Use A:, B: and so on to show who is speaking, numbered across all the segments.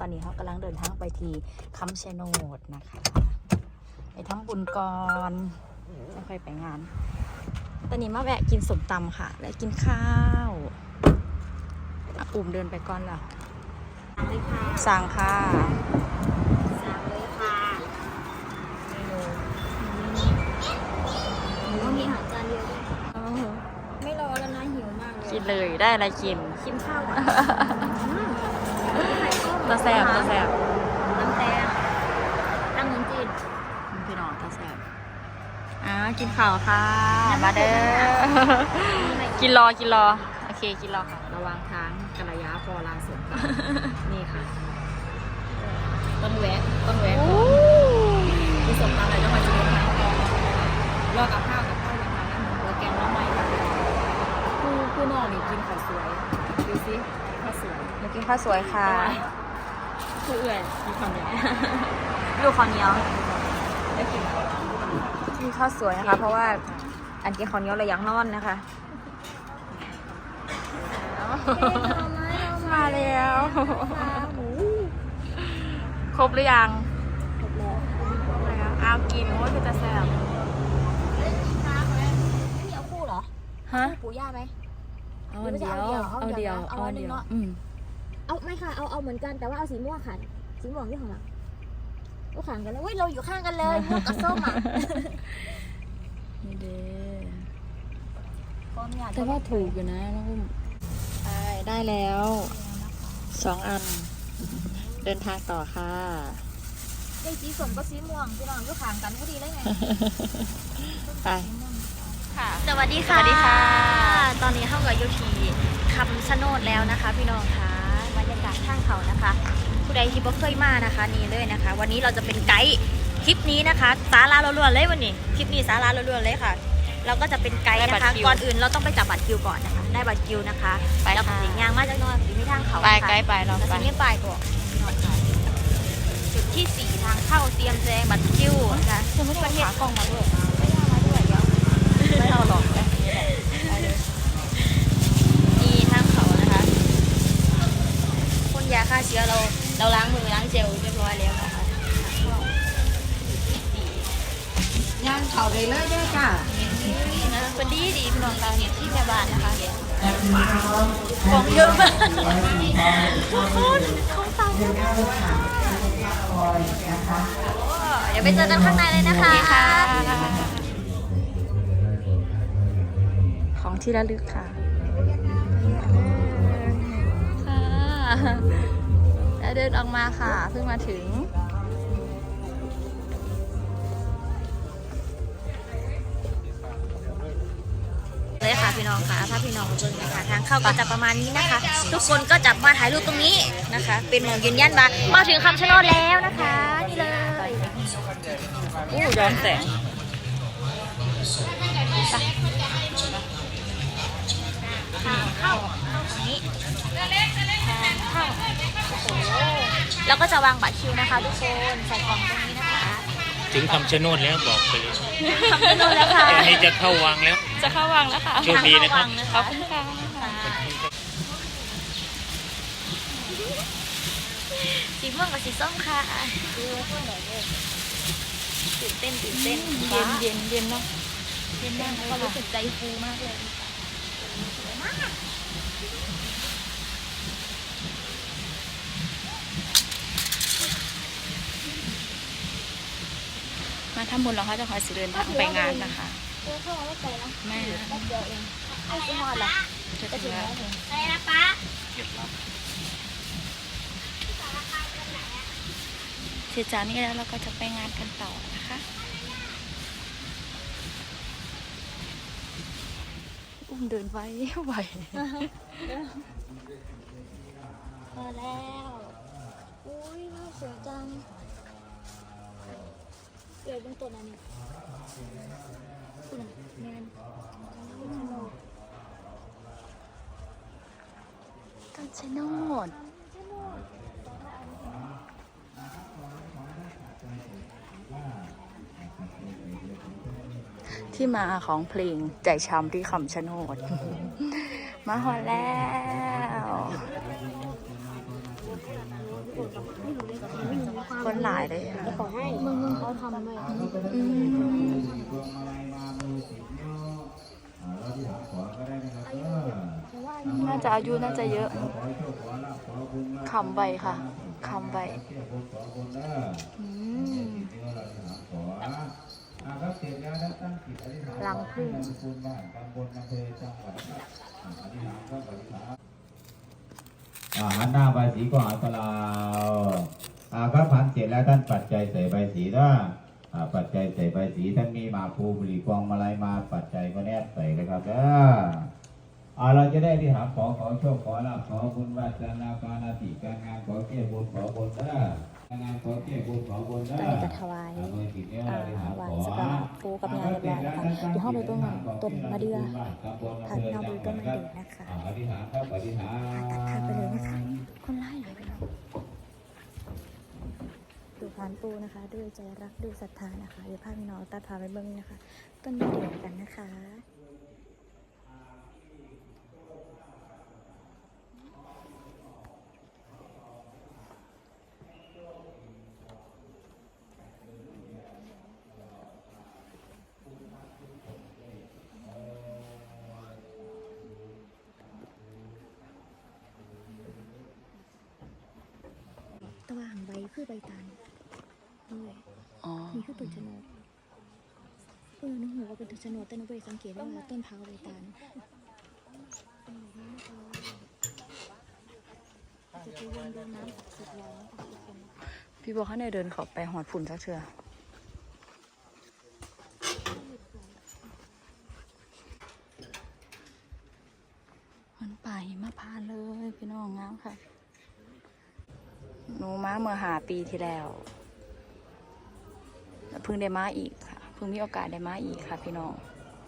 A: ตอนนี้เขากำลังเดินทางไปที่คำชะโนดนะคะไปทำบุญก่อนจะค่อยไปงานตอนนี้มาแวะกินส้มตำค่ะและกินข้าวอุ่มเดินไปก่อนล่ะสั่งค่ะ
B: สั่งเลยค่ะเมนูมีอาหารจานเดียวด้วยไม่รอแล้วนะหิวมากเลย
A: กินเลยได้อะไรกิน
B: ข้าวก่อน
A: ตัวแสบตัวแสบ
B: น้ำแตงน้ำมันจีน
A: พี่น้องตัวแสบกินข้าวค่ะมาเด้อกินรอโอเคกินรอค่ะระวังทางกัลยาพอลางสวนนี่ค่ะต้นแวะมีสมตำอะไรต้องมาจิ้มค่ะรอกับข้าวอย่างนั้นแล้วแกงน้ำใหม่ผู้นอนนี่กินข้าวสวยดูสิข้าวสวยมากินข้าวสวยค่ะผู้เอื่อยมีความเหนียวลูกข้าวเหนียวได้กินข้าวสวยนะคะเพราะว่าอันกินข้าวเหนียวระยังนอนนะคะมาแล้วครบหรือยัง
B: ครบแล้ว
A: เอากินโอ้ยคือจะแซ่บ
B: ไม่เอาคู่เหรอ
A: ฮะ
B: ปูย่าไหม
A: เอาอันเดียวเอาไม่
B: ค่ะเอาเหมือนกันแต่ว่าเอาสีม่วงค่ะสีม่วงที่ของเราก็ข้างกันเลยเราอยู่ข้างกันเลยม่วงกับส้มอ่ะ
A: นี่เด้แต่ว่าถูกอยู่นะน้องอุ้มได้แล้ว2 อันเดินทางต่อค่ะ
B: ได้สีส้มก็สีม่วงพี่น้องก็ข้างกันพอดีเลยไง
A: ไป
B: ค่ะสวัสดีค่ะตอนนี้เข้ากับโยทีคำชะโนดแล้วนะคะพี่น้องคะบรรยากาศข้างเขานะคะผู้ใดที่บ่เคยมานะคะนี่เลยนะคะ วันนี้เราจะเป็นไกด์คลิปนี้นะคะสาระล้วนๆเลยวันนี้คลิปนี้สาระล้วนๆเลยค่ะเราก็จะเป็นไกด์นะคะก่อนอื่นเราต้องไปจับบัตรคิวก่อนนะคะได้บัตรคิวนะคะแล้วก็สิยางมาจากนอนสิมีทางเขา
A: ไปไกด์ไปเรา
B: ไปนี่ไปก่อนจุดที่4ทางเข้าเตรียมแจงบัตรคิวนะคะ
A: คือไม่ได้เอาขากล้องมาด้วย
B: ไม่ได้มาด้วยเดี๋ยว
A: ไม่เอาหรอก
B: นี่ทางเขานะคะพ่นยาฆ่าเชื้อเราล้างมือล้างเจลเรียบร้อยแล้วนะคะ
A: ย่างเขาเลยเลยด้วยค่ะ
B: นะเป็นดีพี่น้องเราเนี่ยที่แม่บ้านนะคะของเยอะมากทุกคนของเตาเยอะมากเดี๋ยวไปเจอกันข้างในเลยนะคะ
A: ของที่ระลึกค่ะแล้วเดินออกมาค่ะเพิ่งมาถึง
B: เลยค่ะพี่น้องค่ะถ้าพี่น้องเจอค่ะทางเข้าก็จะประมาณนี้นะคะทุกคนก็จะมาถ่ายรูปตรงนี้นะคะเป็นหมองยืนยันมาถึงคำชะโนดแล้วนะคะนี่เลย
A: ย้อนแสง
B: ทางเข้าตรงนี้ทางเข้าโอ้โหแล้วก็จะวางบัตรคิวนะคะทุกคนใส่กล่องตรงนี้นะคะ
C: ถึงคำชะโนดแล้วบอกไปเลย
B: คำชะโนดแล้วค่ะ
C: อันนี้จะเข้าวังแล้ว
A: ค่ะ
C: โชคดีนะครับ
A: ขอบคุณค่ะ
B: สีม่วงกับสีส้มค่ะตื่นเต้น
A: เย็นเนาะ
B: เย็นมากเขารู้สึกใจฟูมากเลย
A: มาทำบุญแล้วเขาจะคอยสิเดินทางไปงานนะคะ
B: เข้ามาไม่ไกลนะ
A: แม่
B: เดียวเองไอ้ที่มอดล่ะ
A: จะถึงแล้ว
B: ไปนะป๊า
A: เสร็จจากนี้แล้วเราก็จะไปงานกันต่อนะคะอุ้มเดินไว้ไหว
B: พอแล้วอุ้ยน่าสวยจังเดี๋ยวเป็นตัวนั้นนี่คุณแมน
A: คำชะโนดที่มาของเพลงใจช้ำที่คำชะโนดมาฮอดแล้ว
B: คนหลายเลยค่ะ
A: ขอให้มึงเขาทำด้วย
D: น่าจะอายุน่าจะเยอะคำใบค่ะคำใบ
B: รังผึ้ง
E: หันหน้าใบสีก็หาตลาวครับพันเสร็จแล้วท่านปัจจัยใส่ใบสีนะปัจจัยใส่ใบสีท่านมีหมากภูบุหรี่กองมาลัยมาปัจจัยก็แนบใส่เลยครับเราจะได้ที่หาขอโชคขอลาภขอบุญวาสนาการนาติการงานขอเกี่ยวบุญขอบุญการงานขอเกี่ยวบุญขอบุญ
B: ตอนนี้จะถวายถวายสการะปูกับยาเรียบร้อยนะคะเดี๋ยวเข้าไปต้นมะเดื่อพาพี่น้องดูต้นมะเดื่อนะคะตัดทางไปเลยนะคะคนไล่เลยไปน้องดูพานปูนะคะด้วยใจรักด้วยศรัทธานะคะเดี๋ยวพาพี่น้องตัดพาไปเบิ้งนะคะต้นมะเดื่อกันนะคะตะว่างใบคือใบตาลด้วยนี่คือต้นชะโนดนึกหัวว่าเป็นต้นชะโนดแต่หนูไปสังเกตได้ว่าต้นเท้าใบตาลจะไปวนโดนน้ำศักดิ์สิทธิ์แล้วทุกคน
D: พี่บอกให้เดินเขาไปหอดฝุ่นสักเชือมันป่าหิมพานต์เลยพี่น้องงามค่ะหนูมาเมื่อ5 ปีที่แล้วเพิ่งได้มาอีกค่ะเพิ่งมีโอกาสได้มาอีกค่ะพี่น้อง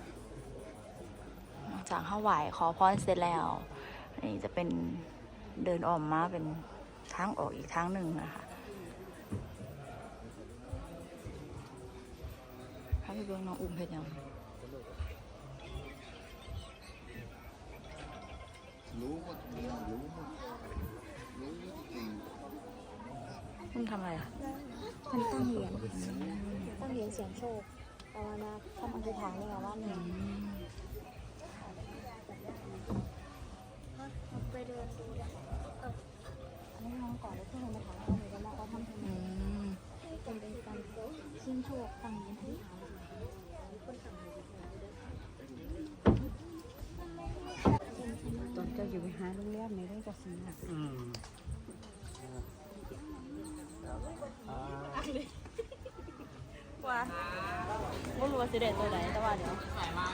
D: จากห้าไหวขอพรเสร็จแล้วนี่จะเป็นเดินออกมาเป็นทางออกอีกทางหนึ่งนะคะถ้าไปเบิ่งน้องอุ้มเพชรยังมันทำอะไรอ่ะ
B: มันตั้งเหรียญเสียงโชคภาวนาทำอธิษฐานเลยว่าเนี่ยไปเดินดูอันนี้น้องก่อนแล้วเพื่อนมาถามเขาเลยว่าเขาทำทำไมเป็นการเสี่ยงโชคตั้งเหรียญอธิษฐาน
A: ตอนจะอยู่ไปหาโรงแรมในเรื่องกสิณะ
D: ว่าไม่รู้ว่าสิเด็ดตัวไหนแต่ว่าเดี๋ยว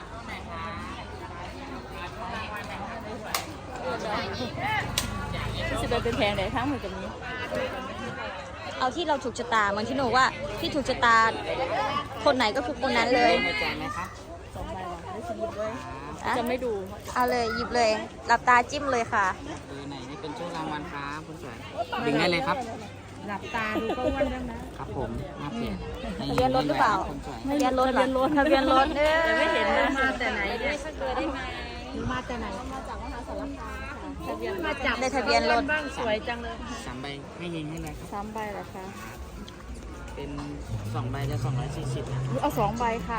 D: สิเด็ดเป็นแพงไหนทั้งหมดกับนี้
B: เอาที่เราถูกชะตาเหมือนที่หนูว่าที่ถูกชะตาคนไหนก็คือคนนั้นเลย
D: 2 ใบว่ะได้สิหยิบเลยจะไม่ดู
B: เอาเลยหยิบเลยหลับตาจิ้มเลยค่ะ
F: เบอร์ไหนนี่เป็นช่วงรางวัลครับคุณสวยดึงได้เลยครับ
A: หลับตาดูก็อ้วนแล้วนะครับ
F: ผมมาเปลี่ยน
B: ทะเบียนรถหรือเปล่า
F: คุณสวย
B: ทะเบียนรถเหรอทะเบียนรถแต่ไม่เห็นนะ
A: มาแต่ไหนเนี่ยหนูมาแต่ไหนมาจาก
B: ในทะเบียนรถ
A: บ้างสวยจังเลย
F: 3 ใบให้ยิงให้เลยครับ
D: 3 ใบเหรอคะ
F: เป็น2 ใบจะ240นะ
D: เอา2 ใบค่ะ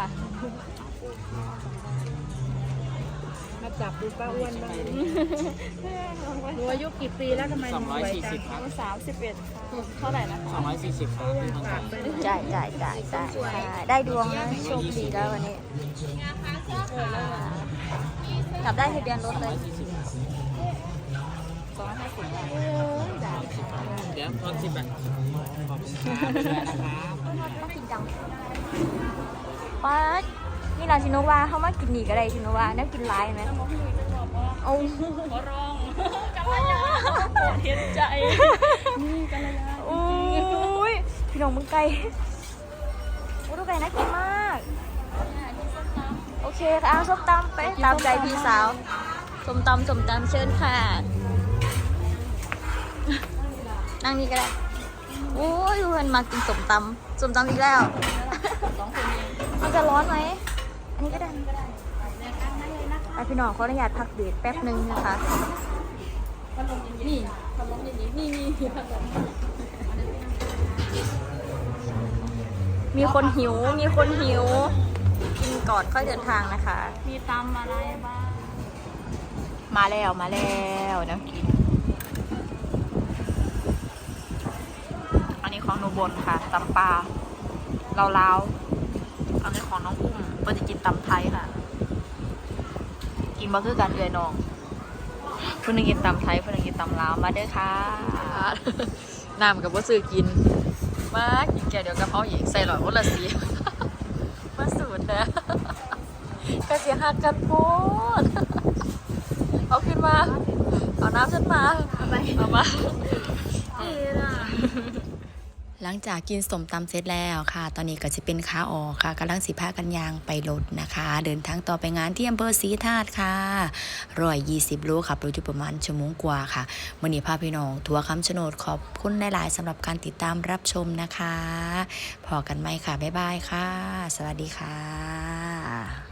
A: มาจับดูป้าอ้วนบ้างหนูอายุกี่ปีแล้วทำไมหนูสวยจัง
F: 240ครับ
D: 31ค่ะเท่าไหร่นะคะ
F: 240ครับพี่คนสวย
B: จ่ายได้ดวงนะโชคดีแล้ววันนี้กลับได้ทะเบียนรถเลย
F: เดี๋ยวทอน10 บาทขอบคุณครับด้วยนะครับ
B: น่ากินจังป๊าดนี่เราชิโนวาเขามากินหนีก็ได้ชิโนวาน่ากินร้ายไหมโอ้
D: ขอร้องกัลยาเห็นใจนี่กัลยา
B: โอ้ยพี่น้องมึงไก่โอ้ดูไก่น่ากินมากโอเคค่ะส้มตำไปตามใจพี่สาวส้มตำเชิญค่ะนั่งนี่ก็ได้โอ้ยเพื่อนมากินส้มตำอีกแล้ว
D: 2 คนเอง
B: มันจะร้อนไหมอันนี้ก็ได้ไปพี่น้องขออนุญาตพักเบรกแป๊บนึงนะคะ
D: นี่พัดลมอย่างนี้นี่พัดลมมีคนหิว มีคนหิว กินก่อนค่อยเดินทางนะคะ
A: มีตำอะไรบ้าง
D: มาแล้วนะกิน อันนี้ของหนูบนค่ะตำปลาลาวๆอันนี้ของน้องอุ้มเพื่อจะกินตำไทยค่ะ กินมาคือการเดือยน้องเพื่อนกินตำไทยเพื่อนกินตำลาวมาเด้อค่ะ น้ำกับว่าซื้อกิน มากินแกเดี๋ยวกระเพราอีกใส่หลอดคนละสี มาสูตรนะกระเสียหักกันโพดเอาขึ้นมา เอาน้ำขึ้นมาเอามา หลังจากกินสมตำเสร็จแล้วค่ะ ตอนนี้ก็จะเป็นขาออกค่ะกำลังสิพากันยางไปรถนะคะ เดินทางต่อไปงานที่อำเภอศรีธาตุค่ะ120 โลขับรถอยู่ประมาณชั่วโมงกว่าค่ะวันนี้พาพี่น้องทัวร์คำชะโนดขอบคุณหลายๆสำหรับการติดตามรับชมนะคะพอกันไหมค่ะบ๊ายบายค่ะ สวัสดีค่ะ